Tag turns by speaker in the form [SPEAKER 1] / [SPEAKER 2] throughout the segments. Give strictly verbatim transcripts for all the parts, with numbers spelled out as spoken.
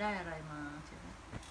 [SPEAKER 1] ได้อะไรมาใช่ไหม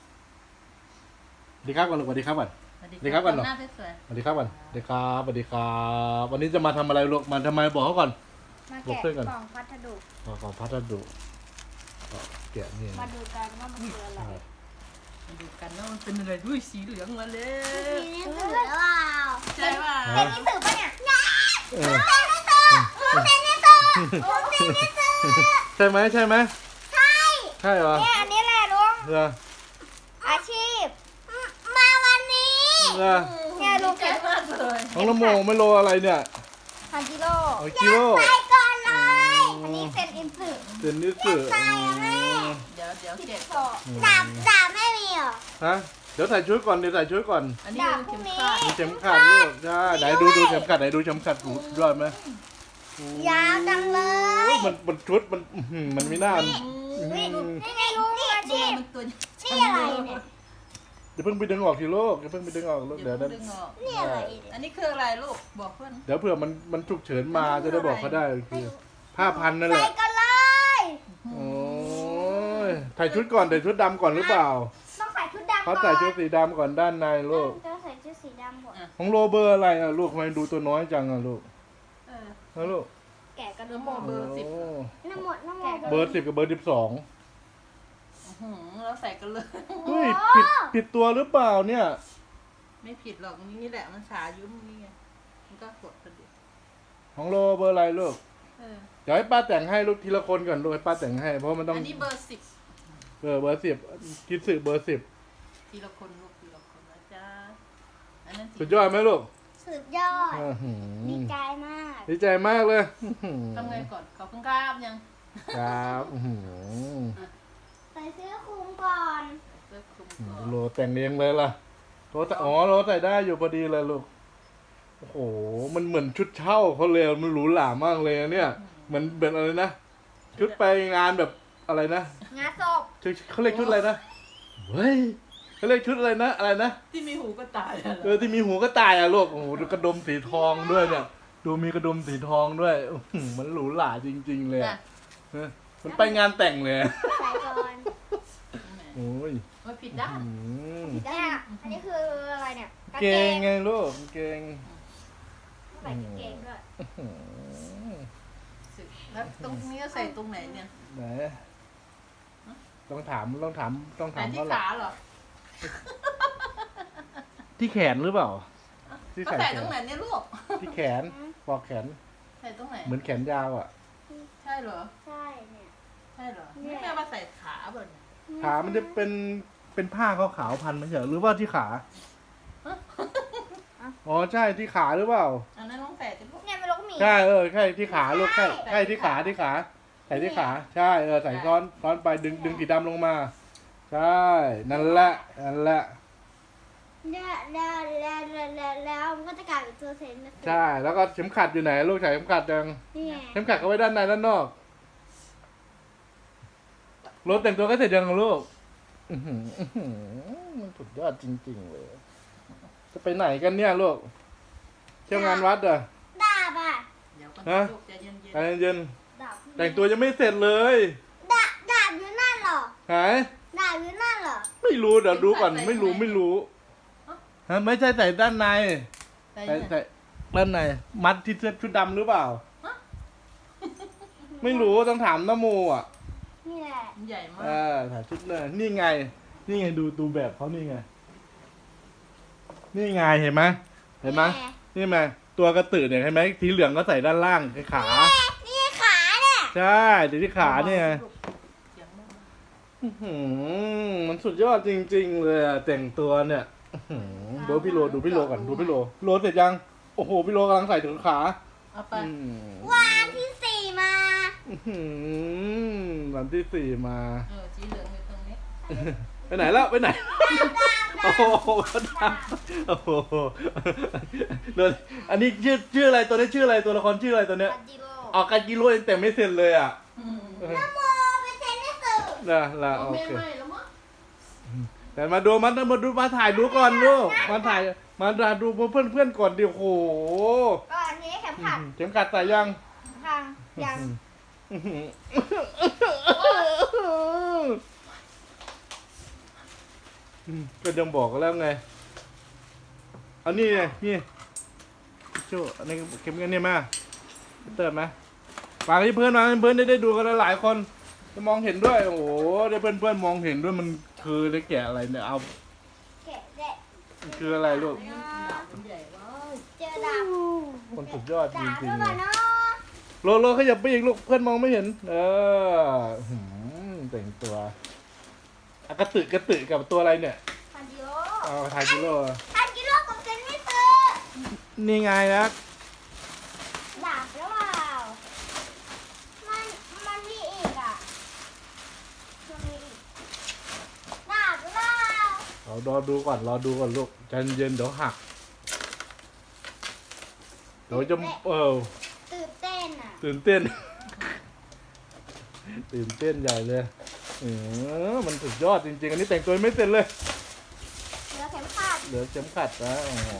[SPEAKER 2] สวัสดีครับก่อนลูกสวัสดีครับก่อน
[SPEAKER 1] สวัส
[SPEAKER 2] สวัสดีครับก่อน
[SPEAKER 1] หน้าสวย
[SPEAKER 2] สวัสดีครับก่อนสวัสดีครับสวัสดีครับวันนี้จะมาทำอะไรลูกมาทำไมบอกเขาก่อน
[SPEAKER 3] มา
[SPEAKER 2] บอก
[SPEAKER 3] แกะ
[SPEAKER 2] เพื่อนก่อน
[SPEAKER 3] กล่องพัสดุ
[SPEAKER 2] ขอของพัสดุก็แกะนี่
[SPEAKER 3] มาดูกันว่ามันคืออะไร
[SPEAKER 2] ใช่
[SPEAKER 1] ๆมาดูกันว่ามันเป็นอะไรด้วยสีเหลืองมาเล
[SPEAKER 3] มี
[SPEAKER 1] ย
[SPEAKER 3] หนังสือหรือเปล่า
[SPEAKER 1] ใช่ป่ะ
[SPEAKER 3] เป็นหนังสือปะเนี่ย
[SPEAKER 2] เออ
[SPEAKER 3] เป็นหนังสือเป็นหนังสือ
[SPEAKER 2] ใช่ไหมใช่ไหม
[SPEAKER 3] ใช่
[SPEAKER 2] ใช่เหรอ
[SPEAKER 3] เนี่ยอันนี้แหละลุง
[SPEAKER 2] เหรอ
[SPEAKER 3] อาชีพ มาวันนี้
[SPEAKER 2] เหรอ
[SPEAKER 3] เนี่ยลุง
[SPEAKER 1] ใจ
[SPEAKER 3] เก็บ
[SPEAKER 1] มากเลย
[SPEAKER 2] น้องละโมไม่โลอะไรเนี่ย
[SPEAKER 3] พันกิโล
[SPEAKER 2] เอากิโล
[SPEAKER 3] ไปก่อนเลย อันนี้เป็นอินสือ
[SPEAKER 2] เดนนิสสืออืม
[SPEAKER 1] เดี๋ยวเดี๋ยวเก็บ
[SPEAKER 3] ดาบดาบไม่มีเหรอ
[SPEAKER 2] ฮะเดี๋ยวใส่ชุดก่อนเดี๋ยวใส่ชุดก่อน
[SPEAKER 1] อันนี้เป็นเข็มขัด
[SPEAKER 2] มีเข็มขัดลูกใช่ไหนดูดูเข็มขัดไหนดูเข็มขัดหูยอดไหม
[SPEAKER 3] ยาวจังเลย
[SPEAKER 2] มันมันชุดมันอื้อหือมันไม่น่า
[SPEAKER 3] นี่นี่นี่ไงลุงอา
[SPEAKER 1] ตัว
[SPEAKER 3] ชีพ
[SPEAKER 1] มันตัว
[SPEAKER 3] นี่อะไรเนี่ย
[SPEAKER 2] เดี๋ยวเพิ่งไปดึงออกทีลูกเดี๋ยวเพิ่งไปดึงออกลูก
[SPEAKER 1] เดี๋
[SPEAKER 2] เดี๋
[SPEAKER 1] ย
[SPEAKER 2] ยว ว
[SPEAKER 1] ดึ
[SPEAKER 2] นั้น
[SPEAKER 1] งออก
[SPEAKER 3] นี่อะไรเนี่ย
[SPEAKER 1] อันนี้คืออะไรลูกบอกเพื่อน
[SPEAKER 2] เดี๋ยวเผื่อมันมันฉุกเฉินมาจะได้บอกเขาได้คือผ้าพันนั่นแห
[SPEAKER 3] ใส่
[SPEAKER 2] ละ
[SPEAKER 3] กันเลย
[SPEAKER 2] โอ้ยใส่ชุดก่อนใส่ชุดดำก่อนหรือเปล่า
[SPEAKER 3] ต้องใส่ชุดดำก่
[SPEAKER 2] เขา
[SPEAKER 3] อน
[SPEAKER 2] ใส่ชุดสีดำก่อนด้านในลูก
[SPEAKER 3] ต้องใส่ชุดสีดำก่อน
[SPEAKER 2] ของโรเบอร์อะไรอ่ะลูกทำไมดูตัวน้อยจังอ่ะลูก
[SPEAKER 1] เออ
[SPEAKER 2] ฮะลูก
[SPEAKER 3] แกะกัน
[SPEAKER 1] น้ำโมเบอร์สิบ
[SPEAKER 2] โ
[SPEAKER 3] น้ำหมดน้ำหมด
[SPEAKER 2] เบอร์สิบกับเบอร์สิบสอง
[SPEAKER 1] อื้อหือเราใส่กันเลย
[SPEAKER 2] เฮ้ยผิดผิดตัวหรือเปล่าเนี่ย
[SPEAKER 1] ไม่ผิดหรอกนี่แหละมันขายุ่มนี่ไงมันก็กดกระดิก
[SPEAKER 2] ของโรเบอร์อะไรลูก
[SPEAKER 1] เออ
[SPEAKER 2] เดี๋ยวให้ป้าแต่งให้ลูกทีละคนก่อนลูกให้ป้าแต่งให้เพราะมันต้อง
[SPEAKER 1] อันนี้เบอร์สิบ
[SPEAKER 2] เบอร์เบอร์สิบคิดสื่อเบอร์สิบ
[SPEAKER 1] ทีละคนลูกทีละคนนะจ๊ะอันนั้น
[SPEAKER 2] สุดยอดไหมลูก
[SPEAKER 3] สุดยอด
[SPEAKER 2] อื้อหือ
[SPEAKER 3] ดีใจมาก
[SPEAKER 2] ดีใจมากเลยอื้อหือ
[SPEAKER 1] ทำไงก่อนขอบคุณครับยัง
[SPEAKER 2] ครับอื้อหือ
[SPEAKER 3] ใส่เสื้อคลุมก่อน
[SPEAKER 1] เสื้อคลุมก่อน
[SPEAKER 2] โลแต่งเองเลยล่ะโลแต่อ๋อโลใส่ได้อยู่พอดีเลยลูกโอ้โหมันเหมือนชุดเช่าเขาเลยมันหรูหรามากเลยอะเนี่ยเหมือนเป็นอะไรนะชุดไปงานแบบอะไรนะ
[SPEAKER 3] งาศพ
[SPEAKER 2] ชุดเขาเรียกชุดอะไรนะเฮ้ยเขาเรียกชุดอะไรนะอะไรนะ
[SPEAKER 1] ที่มีหูก็ตายอะเหร
[SPEAKER 2] เอ
[SPEAKER 1] อ
[SPEAKER 2] อที่มีหูก็ตายอ่ะลูกโอ้โหดูกระดมสีทองด้วยเนี่ย ดูมีกระดมสีทองด้วยอื้อหือมันหรูหราจริง ๆ เลยอะ
[SPEAKER 1] น่ะ
[SPEAKER 2] เออมันไปงานแต่งเลยอะ
[SPEAKER 3] ใส่ก่อน
[SPEAKER 2] โอ้ย
[SPEAKER 1] มันผิดด้าน
[SPEAKER 2] อืม
[SPEAKER 3] เนี่ยอันนี้คืออะไรเนี่ยกาง
[SPEAKER 2] เก
[SPEAKER 3] เก
[SPEAKER 2] ง
[SPEAKER 3] ง
[SPEAKER 2] ไงลูกเกง
[SPEAKER 3] ใส่กางเกงด้วย
[SPEAKER 2] อืม
[SPEAKER 1] สึกแล้วตรงนี้ก็ใส่ตรงไหนเนี่ย
[SPEAKER 2] ไหนต้องถามต้องถามต้อง
[SPEAKER 1] ใส่
[SPEAKER 2] ถาม
[SPEAKER 1] ที่
[SPEAKER 2] เขาหรอ
[SPEAKER 1] ขาเหรอ
[SPEAKER 2] ที่แขนหรือเปล่า ที่
[SPEAKER 1] ก็
[SPEAKER 2] ใส่
[SPEAKER 1] ใส่
[SPEAKER 2] แข
[SPEAKER 1] ตรง
[SPEAKER 2] น
[SPEAKER 1] ไหนเนี่ยลูก
[SPEAKER 2] ที่แขนปลอกแขน
[SPEAKER 1] ใส่ตรงไหน
[SPEAKER 2] เหมือนแขนยาวอ่ะ
[SPEAKER 1] ใช่เหรอ
[SPEAKER 3] ใช่เนี่ย
[SPEAKER 1] ใช่เหรอ
[SPEAKER 3] เนี่
[SPEAKER 1] ไม่
[SPEAKER 3] ย
[SPEAKER 1] แม่ว่าใส่ขาเปล่าเนี่ย
[SPEAKER 2] ขามันจะเป็นเป็นผ้าขาวๆพันไม่ใช่เหรอหรือว่าที่ขาอ๋อใช่ที่ขาหรือเปล่า
[SPEAKER 1] อันนั้นต้องใส่ที่ลูก
[SPEAKER 3] เนี่ยมันลูกหมี
[SPEAKER 2] ใช่เออใช่ที่ขาลูกใช่ใช่ที่ขาที่ขาใส่ที่ขาใช่เออใส่ซ้อนซ้อนไปดึงดึงสีดำลงมา ใช่นั่นแหละนั่นแหละ
[SPEAKER 3] เนี่ยแล้วแล้วแล้วแล้วแล้วมันก็จะกลายเป็นตัวเซนนะ
[SPEAKER 2] ใช่แล้วก็เข็มขัดอยู่ไหนลูกใส่เข็มขัดยัง
[SPEAKER 3] นี่ไง
[SPEAKER 2] เข็มขัดเขาไว้ด้านในด้านนอกรถแต่งตัวก็เสร็จยังลูกอื้อหืออื้อหือมันสุดยอดจริงๆเลยจะไปไหนกันเนี่ยลูกเที่ยวงานวัดเหรอ
[SPEAKER 3] ดาบอ่ะ
[SPEAKER 1] เดี๋ยวก็
[SPEAKER 2] ฮะ
[SPEAKER 1] ลูกใจเย็น
[SPEAKER 2] ใจเย็น
[SPEAKER 3] ดาบ
[SPEAKER 2] ๆแต่งตัวยังไม่เสร็จเลย
[SPEAKER 3] ดาบดาบอยู่นั่นเหรอ
[SPEAKER 2] หาย
[SPEAKER 3] ดาบอยู่นั่นเหรอ
[SPEAKER 2] ไม่รู้เดี๋ยวดูก่อนไม่รู้ไม่รู้ฮะไม่ใช่ใส่ด้านใน
[SPEAKER 1] ๆใจ
[SPEAKER 2] ใส่
[SPEAKER 1] เย็น
[SPEAKER 2] ใส่ด้านในมัดที่เสื้อชุดดำหรือเปล่า ไม่รู้ต้องถามน้าโมอ่ะ
[SPEAKER 3] นี่แหละ
[SPEAKER 1] มันใหญ่มา
[SPEAKER 2] เอก อถ่ายชุดเลยนี่ไง นี่ไงดูดูแบบเขานี่ไง นี่ไงเห็นไหมเห็นไหมนี่ไหมตัวกระตือเนี่ยเห็นไหมสีเหลืองก็ใส่ด้านล่างไอ้ขา
[SPEAKER 3] นี่ขาเนี่ย
[SPEAKER 2] ใช่ดูที่ขาเนี่ย
[SPEAKER 1] เสียงดัง
[SPEAKER 2] อื้อหือมันสุดยอดจริง ๆ เลยอะแต่งตัวเนี่ยอื้อหือดูพี่โลดูพี่โลก่อนดูพี่โลโลเสร็จยังโอ้โหพี่โลกำลังใส่ถุงขา
[SPEAKER 1] เอาไป
[SPEAKER 2] อืม
[SPEAKER 3] วันที่สี่มา
[SPEAKER 2] อื้อหือวันที่สี่มา
[SPEAKER 1] เออสีเหลืองอยู่ตรงนี้
[SPEAKER 2] ไปไหนแล้วไปไหน โอ้โหดำโอ้โหโดนอันนี้ชื่อชื่ออะไรตัวนี้ชื่ออะไรตัวละครชื่ออะไรตัวเนี้ย
[SPEAKER 3] ปัจจิโร่
[SPEAKER 2] ออกการกิโลเองแต่ไม่เซ็นเลยอ่ะ
[SPEAKER 1] อืม
[SPEAKER 2] เออ
[SPEAKER 3] น้ำโมเป็นเซนนิสึ
[SPEAKER 2] นะละโอ
[SPEAKER 1] ไม่
[SPEAKER 2] เค
[SPEAKER 1] ไม่แล้วมั้ง
[SPEAKER 2] แต่มาดูมันมาดูมาถ่ายดูก่อนลูกมาถ่ายมาดูเพื่อนเพื่อนๆก่อนดิโอ้โห
[SPEAKER 3] ก็อันนี้เข็มขัด
[SPEAKER 2] เข็มขัดใส่ยัง
[SPEAKER 3] ทางยัง
[SPEAKER 2] อื้อหืออืมก็ยังบอกกันแล้วไงเอานี่ไงนี่โจ้อันนี้เก็บเงินเนี่ยมาเติมไหมฝากให้เพื่อนมาให้เพื่อนได้ได้ดูกันหลายๆคนจะมองเห็นด้วยโอ้โหได้เพื่อนเพื่อนๆมองเห็นด้วยมันคือได้แกะอะไรเนี่ยเอา
[SPEAKER 3] แกะแกะ
[SPEAKER 2] มันคืออะไรลูก
[SPEAKER 1] ดาบมันใหญ่เว้ย
[SPEAKER 3] เจอดาบ
[SPEAKER 2] คนสุดยอดจ
[SPEAKER 3] ดาบ
[SPEAKER 2] ริ
[SPEAKER 3] ด้
[SPEAKER 2] ง
[SPEAKER 3] วย
[SPEAKER 2] ๆเล
[SPEAKER 3] ป่ะ
[SPEAKER 2] ย
[SPEAKER 3] เนาะ
[SPEAKER 2] โลโลขยับไปอีกลูกเพื่อนมองไม่เห็น เออหืมแต่งตัวอะกระตึกกระตึกกับตัวอะไรเนี่ย
[SPEAKER 3] พันกิโล
[SPEAKER 2] เอาทายกิโล
[SPEAKER 3] พันกิโลกับเซนไม่ซื้อ
[SPEAKER 2] นี่ไงนะ
[SPEAKER 3] ดาบหรือเปล่ามันมันมีอีกอ่ะมันมีอีกดาบหรือเปล่า
[SPEAKER 2] เรารอดูก่อนรอดูก่อนลูกใจเย็นเดี๋ยวหักเดี๋ยวจะเออ
[SPEAKER 3] ตื่นเต้นอ่ะ
[SPEAKER 2] ตื่นเต้น ตื่นเต้นใหญ่เลยเออมันสุดยอดจริงๆ อันนี้แต่งตัวไม่เสร็จเลย
[SPEAKER 3] เหลือเข็มขัด
[SPEAKER 2] เหลือเข็มขัดนะอ๋อ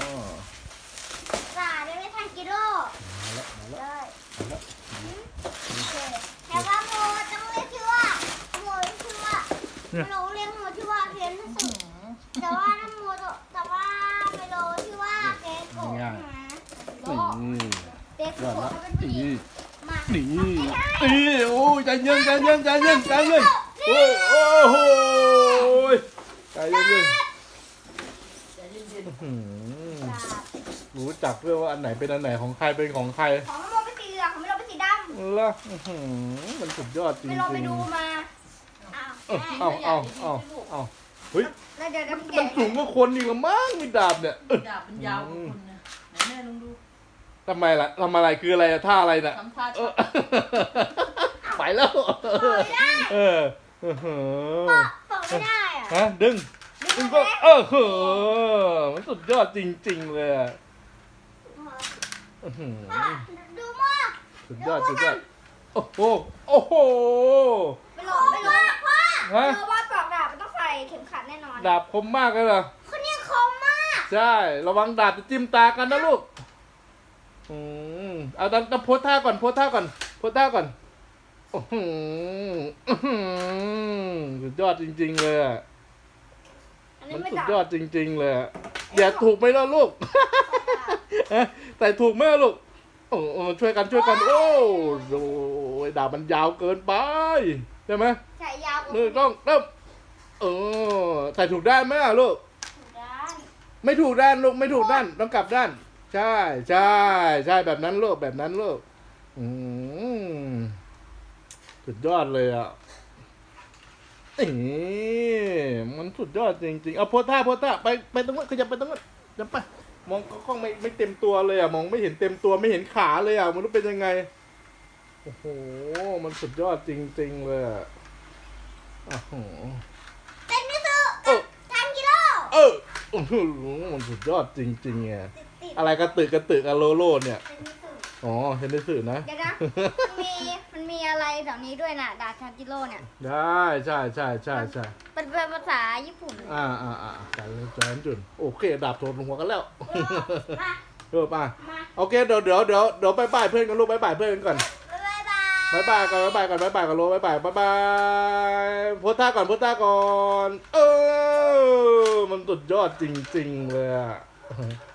[SPEAKER 3] ดาบได้ไม่พันกิโล
[SPEAKER 2] มาแล้วมา
[SPEAKER 3] เล
[SPEAKER 2] แล้ว
[SPEAKER 3] ย
[SPEAKER 2] มาแล้ว
[SPEAKER 3] โอเคแต่ว่าโมต้องเรียกชื่อว่าโมเรียกชื่อว่าไม่รู้เรียกโมชื่อว่าเพียนที่สุดแต่ว่าน้ำโมแต่ว่าไม่รู้ชื่อว่าเกโกะนะโล
[SPEAKER 2] นี่
[SPEAKER 3] เก
[SPEAKER 2] ยอ
[SPEAKER 3] โกะ
[SPEAKER 2] ดละ
[SPEAKER 3] เขาเป็นผู้หญิ
[SPEAKER 2] นี่
[SPEAKER 3] งมา
[SPEAKER 2] นี่
[SPEAKER 3] มาไม่ได้
[SPEAKER 2] นี่โอ้ยใจเย็นใจเย็นใจเย็นใจเย็นโอ้ยโอ้โหใจเย็นเย็น
[SPEAKER 1] ใจเย็น
[SPEAKER 2] อื้อหือ
[SPEAKER 3] ดาบ
[SPEAKER 2] รู้จักด้วยว่าอันไหนเป็นอันไหนของใครเป็นของใคร
[SPEAKER 3] ของน้ำโมเป็นสีเหลืองของไม่รู้เป็นสีดำ
[SPEAKER 2] ล่ะอื้อหือมันสุดยอดจริง
[SPEAKER 3] ไม่
[SPEAKER 2] ๆ
[SPEAKER 3] ลองไปดูมาอ้าว
[SPEAKER 2] เออเอาเอาเอาเอาเฮ้ย
[SPEAKER 3] แล้วเดี๋ยว
[SPEAKER 2] มัน
[SPEAKER 3] น้ำ
[SPEAKER 2] มัน
[SPEAKER 3] แกะ
[SPEAKER 2] สูงกว่าคนอีกละมั้งมีดาบเนี่ยเออ
[SPEAKER 1] ดาบมันยาวกว่าคนนะไหนแม่ลองดู
[SPEAKER 2] ทำไมล่ะทำอะไรคืออะไรอะท่าอะไรน่ะ
[SPEAKER 1] ทำท่า
[SPEAKER 2] เอ
[SPEAKER 1] ชั
[SPEAKER 2] อก ไปแล้ว เออเออเออ
[SPEAKER 3] เปิดไม่ได้อะ
[SPEAKER 2] ฮะดึง
[SPEAKER 3] ดึ
[SPEAKER 2] ดึ
[SPEAKER 3] ง
[SPEAKER 2] ง
[SPEAKER 3] ก็
[SPEAKER 2] ก็เออเออมันสุดยอดจริงๆเลยอะอื้อหือ
[SPEAKER 3] ดูมาก
[SPEAKER 2] สุดยอดสุดยอดโอ้โหโอ้โห
[SPEAKER 3] ไม่ลองไม่ลองพ่อ
[SPEAKER 2] ฮะ
[SPEAKER 3] รู้ว่าปลอกดาบมันต้องใส่เข็มขัดแน่นอน
[SPEAKER 2] ดาบคมมากเลยเหรอ
[SPEAKER 3] คนนี้คมมาก
[SPEAKER 2] ใช่ระวังดาบจะจิ้มตากันนะลูกอืมเอาดันดันโพสท่าก่อนโพสท่าก่อนโพสท่าก่อนโอ้โหอื้อหือสุดยอดจริงๆเลยอะ
[SPEAKER 3] อันนี้
[SPEAKER 2] มัน
[SPEAKER 3] ไม่
[SPEAKER 2] สุด
[SPEAKER 3] ดาบ
[SPEAKER 2] ยอดจริงๆเลยอะอย่าถูกไหมล่ะลูก ฮะแต่ถูกไหมล่ะลูกโอ้โอ้ช่วยกันช่วยกัน โอ้โหดาบมันยาวเกินไปใช่ไหม
[SPEAKER 3] ใส่ยาวกว่า
[SPEAKER 2] มือต้องเริ่มเออใส่ถูกด้านไหมล่ะลูก
[SPEAKER 3] ด้าน
[SPEAKER 2] ไม่ถูกด้านลูกไม่ถูกด้านต้องกลับด้าน ใช่ใช่ใช่แบบนั้นลูกแบบนั้นลูกอืมสุดยอดเลยอ่ะนี่มันสุดยอดจริงๆเอาโพสท่าโพสท่าไปไปตรงนั้นขยับไปตรงนั้นจะไปมองกล้องไม่ไม่เต็มตัวเลยอ่ะมองไม่เห็นเต็มตัวไม่เห็นขาเลยอ่ะมันรู้เป็นยังไงโอ้โหมันสุดยอดจริงๆเลยอ่ะโอ้โห
[SPEAKER 3] เป็นมิสุ
[SPEAKER 2] เออ
[SPEAKER 3] พันกิโล
[SPEAKER 2] เออโอ้โหมันสุดยอดจริงๆไง
[SPEAKER 3] ติดติด
[SPEAKER 2] อะไรกระตึกกระตึกอะโลโลเนี่ย
[SPEAKER 3] เป็นมิสุ
[SPEAKER 2] อ๋อเห็นได้สื่อนะ
[SPEAKER 3] เดี๋ยวนะมันมีมันมีอะไรแถวนี้ด้วยน่ะดาบพันกิโลเนี่ย
[SPEAKER 2] ได้ใช่ใช่ใช่ใช่
[SPEAKER 3] เป็นเป็นภาษาญี่ปุ่น
[SPEAKER 2] อ่าอ่าอ่าการเล่นจานจุนโอเคดาบโทนลงหัวกันแล้ว
[SPEAKER 3] มา
[SPEAKER 2] เออมา
[SPEAKER 3] มา
[SPEAKER 2] โอเคเดี๋ยวเดี๋ยวเดี๋ยวเดี๋ยวบายบายเพื่อนกันลูกบายบายเพื่อนกันก่อน
[SPEAKER 3] บ๊ายบาย
[SPEAKER 2] บายบายก่อนบายบายก่อนบายบายก่อนลูกบายบายบายบายโพสท่าก่อนโพสท่าก่อน เออมันสุดยอดจริงๆเลยอะ